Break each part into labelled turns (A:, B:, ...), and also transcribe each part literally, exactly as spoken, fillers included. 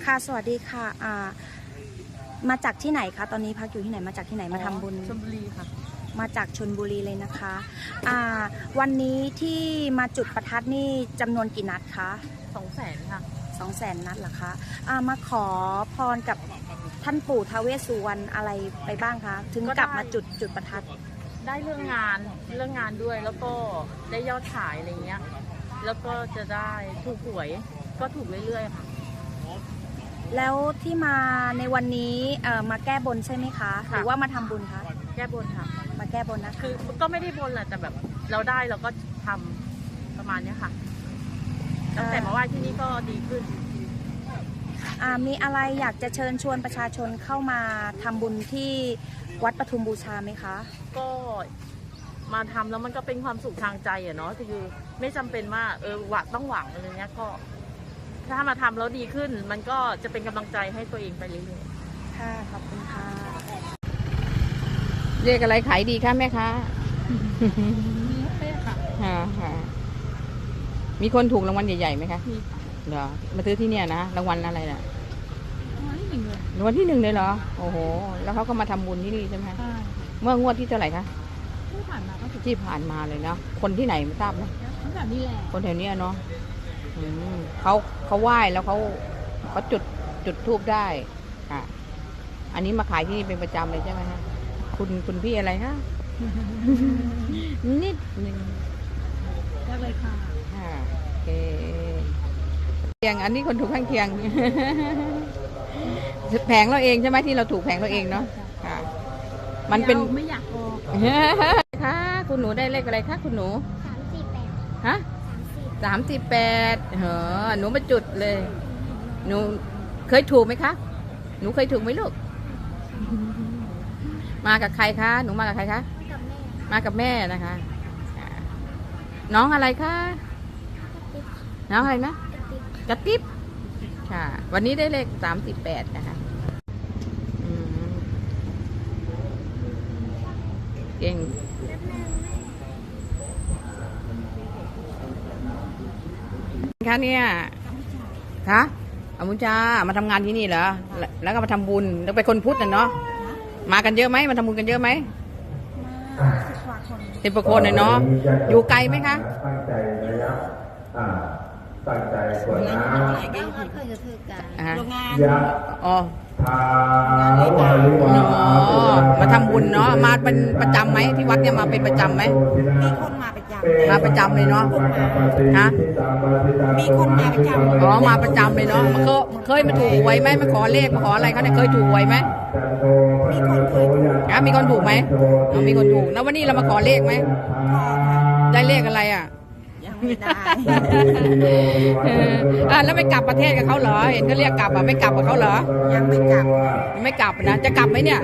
A: ค่ะสวัสดีค่ะอ่ามาจากที่ไหนคะตอนนี้พักอยู่ที่ไหนมาจากที่ไหนมาทำบุญ
B: ชลบุรีค่ะ
A: มาจากชลบุรีเลยนะคะอ่าวันนี้ที่มาจุดประทัดนี่จำนวนกี่นัดคะ
B: สองแสนค่ะ
A: สองแสนนัดเหรอคะอ่ามาขอพรกับท่านปู่ท้าวเวสสุวรรณอะไรไปบ้างคะถึงกลับมาจุดจุดประทัด
B: ได้เรื่องงานเรื่องงานด้วยแล้วก็ได้ยอดขายอะไรเงี้ยแล้วก็จะได้ถูกหวยก็ถูกเรื่อยๆค่ะ
A: แล้วที่มาในวันนี้เอ่อมาแก้บนใช่ไหมคะหรือว่ามาทำบุญคะ
B: แก้บนค่ะ
A: มาแก้บนนะคะ
B: คือก็ไม่ได้บนแหละแต่แบบเราได้เราก็ทำประมาณนี้ค่ะตั้งแต่มาไหว้ที่นี่ก็ดีขึ้น
A: มีอะไรอยากจะเชิญชวนประชาชนเข้ามาทำบุญที่วัดปทุมบูชาไหมคะ
B: ก็มาทำแล้วมันก็เป็นความสุขทางใจอะเนาะคือไม่จำเป็นว่าเออหวังต้องหวังอะไรเงี้ยก็ถ้ามาทำแล้วดีขึ้นมันก็จะเป็นกำลังใจให้ตัวเองไปเรื่อย
A: ๆค่ะขอบคุณค่ะ
C: เรียกอะไรขายดีคะแม่คะ
B: มีค่ะ
C: ค่ะมีคนถูกรางวัลใหญ่ๆไหมคะเหรอมาซื้อที่เนี่ยนะรางวัลอะไรน่ะรางวัลที่หนึ่งเลยเหรอโอ้โหแล้วเขาก็มาทำบุญที่นี่ใช่ไหมเมื่องวดที่เท่าไหร่คะ
B: ที่ผ่านมาก็
C: ที่ผ่านมาเลยเนาะคนที่ไหนไม่ทราบนะ
B: คนแถวนี้แหละ
C: คนแถวนี้เนาะเขาเขาไหว้แล้วเขาเขาจุดจุดธูปได้ค่ะอันนี้มาขายที่นี่เป็นประจำเลยใช่ไหมคะคุณคุณพี่อะไรคะนิดหนึ่ง
B: ได้เลยค่ะ
C: ค่ะโอเคเคียงอันนี้คนถูกข้างเคียงแผงเราเองใช่ไหมที่เราถูกแผงเราเองเนาะค่ะมันเป็น
B: ไม่อยากออก
C: ค่ะคุณหนูได้เลขอะไรคะคุณหนู
D: สามสี่แปด
C: ฮะสามสี่แปดเหรอหนูมาจุดเลยหนูเคยถูกไหมคะหนูเคยถูกไหมลูกมากับใครคะหนูมากับใครคะ
D: กับแม่
C: มากับแม่นะคะน้องอะไรคะน้องอะไรนะกระติบค่ะวันนี้ได้เลขสามสิบแปดนะคะเก่งคะเนี่ยคะอมุจามาทำงานที่นี่เหรอแล้วก็มาทำบุญแล้วไปคนพุทธน่ะเนาะมากันเยอะไหมมาทำบุญกันเยอะไหมสิบกว่าคนเลยเนาะอยู่ไกลไหมคะ
E: ตั้งใจระยะตั้งใจกว่าน้
C: ำโรงงานอ๋อมาทำบุญเนาะมาเป็นประจำไหมที่วัดเนี่ยมาเป็นประจำไหม
A: มีคนมาประจำ
C: มาประจำเลยเนาะฮะ
A: มีคนมาประจำ
C: อ๋อมาประจำเลยเนาะมาเคยเคยมาถูกหวยไหมมาขอเลขมาขออะไรเขาเนี่ยเคยถูกหวยไหม
A: มีคนเคยถูก
C: อ่ะมีคนถูกไหมมีคนถูกแล้ววันนี้เรามาขอเลขไหมได้เลขอะไรอ่ะ
A: ยังไม่ได้
C: อ่าแล้วไม่กลับประเทศกับเขาเหรอเห็นเขาเรียกกลับอ่ะไม่กลับกับเขาเหรอ
A: ยังไม่กลับ
C: ไม่กลับนะจะกลับไหมเนี่ย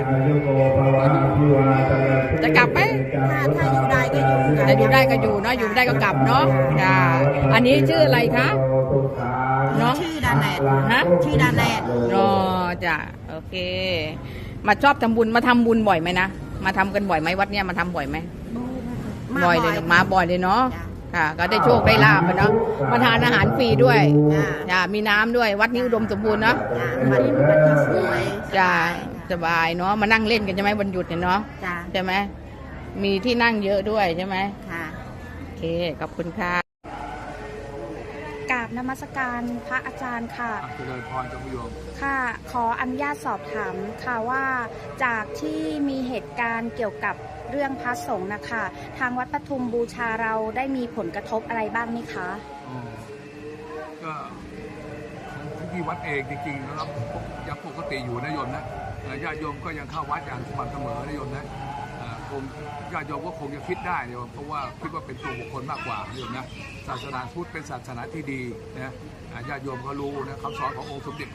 C: จะกลับไหม
A: ถ้าถ้าอยู่ได้ก็อยู่
C: จะอยู่ได้ก็อยู่เนาะอยู่ได้ก็กลับเนาะจ้าอันนี้ชื่ออะไรคะ
A: เนาะชื่อดาแลด
C: ฮะ
A: ชื่อดาแลด
C: อ๋อจ้ะโอเคมาชอบทำบุญมาทำบุญบ่อยไหมนะมาทำกันบ่อยไหมวัดเนี้ยมาทำบ่อยไหมบ่อยเลยมาบ่อยเลยเนาะค่ะก็ได้โชคได้ลาบเนาะมาทานอาหารฟรีด้วยจ้ามีน้ำด้วยวัดนี้อุดมสมบูรณ์เนาะ
A: วัดนี้วัดนี้สวย
C: จ้าสบายเนาะมานั่งเล่นกันใช่ไหมวันหยุดเนี่ยเนาะใช่ไหมมีที่นั่งเยอะด้วยใช่ไหม
A: ค่ะ
C: โอเคขอบคุณค่ะ
A: กราบนมัสการพระอาจารย์ค่ะ
E: เจริญพรจงโยม
A: ค่ะขออนุญาตสอบถามค่ะว่าจากที่มีเหตุการณ์เกี่ยวกับเรื่องพระสงฆ์นะคะทางวัดปทุมบูชาเราได้มีผลกระทบอะไรบ้างไหมคะ
E: ก็ของที่วัดเองจริงๆแล้วยังปกติอยู่นะโยมนะญาติโยมก็ยังเข้าวัดอย่างสม่ำเสมอนะโยมนะคงญาติโยมก็คงจะคิดได้โยมเพราะว่าคิดว่าเป็นตัวบุคคลมากกว่าโยมนะศาสนาพุทธเป็นศาสนาที่ดีนะญาติโยมเขารู้นะคำสอนขององค์สมเด็จ